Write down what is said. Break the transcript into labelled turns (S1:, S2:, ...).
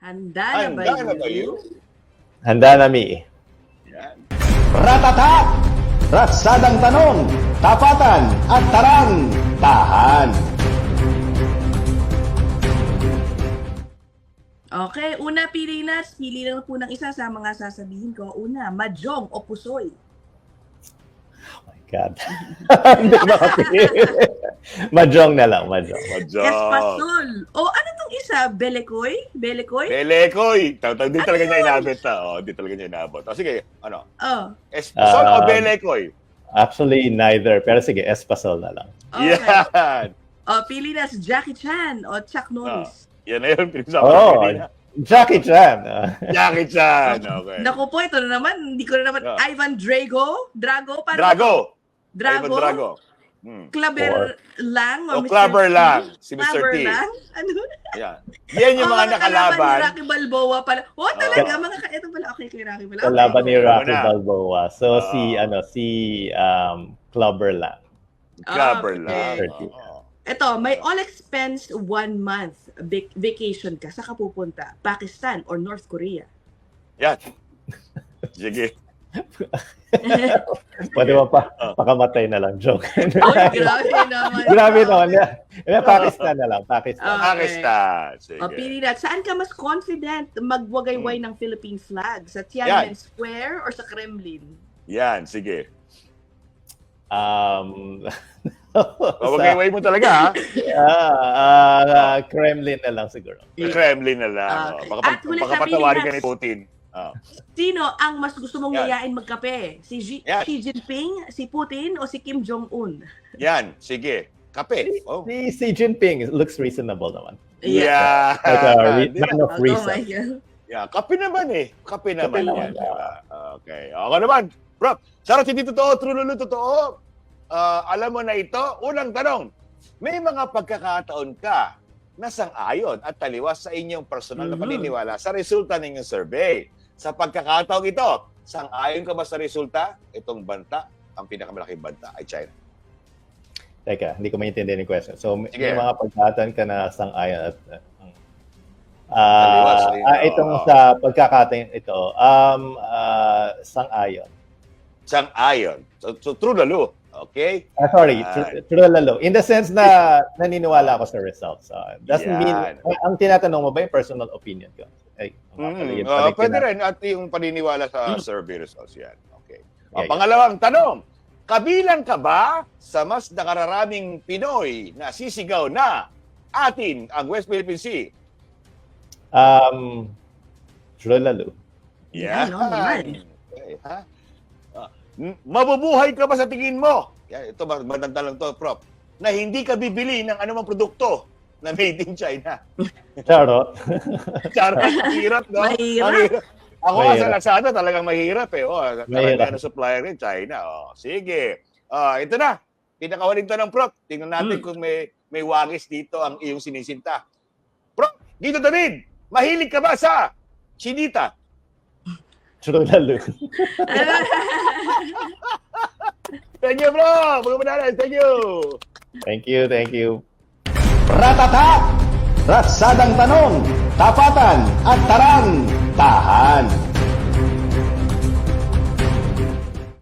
S1: Handa na ba
S2: Handa na ba
S1: you?
S3: Handa na, Mi.
S2: Yan.
S4: Ratata! Ratsadang tanong, tapatan at tarang, tahan.
S1: Okay, una pili na. Pili lang po ng isa sa mga sasabihin ko. Una, mahjong o pusoy.
S3: God. Hindi ko makapili. Mahjong na lang, mahjong.
S2: Madjong.
S1: Espasol. O ano tong isa? Belekoy? Belekoy?
S2: Belekoy. Di talaga
S1: Ano
S2: niya
S1: yun?
S2: inabot. Di talaga niya inabot. O sige, ano?
S1: Oh.
S2: Espasol o Belekoy?
S3: Actually, neither. Pero sige, espasol na lang.
S1: Okay.
S2: Yan.
S1: O, pili na si Jackie Chan o Chuck Norris.
S2: Yan na yun. Pinag-usapan
S3: Oh,
S2: kanina.
S3: Jackie Chan.
S2: Jackie Chan. Okay.
S1: Naku po, ito na naman. Hindi ko na naman.
S2: Yeah.
S1: Ivan Drago? Drago? Paano
S2: Drago.
S1: Drago?
S2: Ivan Drago.
S1: Clubber lang?
S2: O Clubber lang. Si Mr.
S1: Clubber
S2: T.
S1: lang? Ano?
S2: Yan. Yan yung mga
S1: Ni
S2: nakalaban.
S1: Rocky Balboa pala. Oh, talaga. Ito pala. Okay, kay Rocky pala.
S3: Kalaban ni Rocky
S2: Wala.
S3: Balboa. So, si Clubber lang.
S2: Clubber
S1: Okay.
S2: lang.
S3: Okay.
S1: Ito, may all-expense 1 month vacation ka. Saan ka pupunta? Pakistan or North Korea?
S2: Yan. Sige.
S3: Pwede mo pakamatay na lang. Joke.
S1: Oy, grabe naman.
S3: Grabe naman. Pakistan na lang. Pakistan.
S1: Okay.
S2: Pakistan. Sige.
S1: O, pili na. Saan ka mas confident magwagayway ng Philippine flag? Sa Tiananmen Square or sa Kremlin?
S2: Yan. Sige.
S3: Sa-
S2: mo talaga, ha?
S3: Kremlin na lang siguro.
S2: Kremlin na lang.
S1: Okay.
S2: Baka
S1: At huli sa
S2: patawarin ka
S1: Pilipinas.
S2: ni Putin.
S1: Sino ang mas gusto mong
S2: Yan.
S1: yayain magkape? Si
S2: Yan.
S1: Xi Jinping, si Putin, o si Kim Jong-un?
S2: Yan. Sige. Kape. Oh.
S3: Si Xi Jinping looks reasonable naman.
S2: Yeah.
S3: Like a
S2: Di ba?
S3: man of
S1: Oh my
S3: reason.
S1: God.
S2: Yeah, kape naman eh. Kape naman
S3: naman,
S2: yan. Diba? Okay. Ako naman. Bro, sarap hindi totoo, true lulu totoo. Alam mo na ito, unang tanong. May mga pagkakataon ka na sang-ayon at taliwas sa inyong personal na paniniwala sa resulta ng inyong survey. Sa pagkakataon ito, sang-ayon ka ba sa resulta? Itong banta, ang pinakamalaking banta ay China.
S3: Teka, hindi ko maintindihan yung question. So, may
S2: Sige.
S3: mga pagkakataon ka na sang-ayon at
S2: Taliwas sa inyo.
S3: itong
S2: Oo.
S3: sa pagkakataon ito, sang-ayon.
S2: Sang-ayon. So true lalo. Okay?
S3: Sorry,
S2: Yan.
S3: true lalo. In the sense na naniniwala ako sa results. Doesn't mean,
S2: Yan.
S3: ang tinatanong mo ba yung personal opinion ko? Ay, actually, yung
S2: Pwede
S3: pag-
S2: rin at yung paniniwala sa survey results yan. Okay.
S3: Yeah,
S2: Pangalawang tanong, kabilang ka ba sa mas nakararaming Pinoy na sisigaw na atin ang West Philippine Sea?
S3: True lalo.
S1: Yan, no, naman.
S2: Okay, ha? Mabubuhay ka ba sa tingin mo? Yan, ito maganda lang to, Prof. Na hindi ka bibili ng anumang produkto na made in China.
S3: Charot.
S2: Charot, hirap, no?
S1: Mahirap.
S2: Ang hirap. Ako nga sa
S3: Mahirap.
S2: Lazada talagang mahirap eh.
S3: Mahirap.
S2: Karamihan ng supplier rin, China. Sige. Ito na. Pinakawaling tanong, Prof. Tingnan natin kung may wagis dito ang iyong sinisinta. Prof, Guido David, mahilig ka ba sa chinita?
S3: True lalo.
S2: Thank you, bro. Mga manalas, thank you.
S3: Thank you, thank you.
S4: Ratata! Ratsadang tanong, tapatan at tarang, tahan.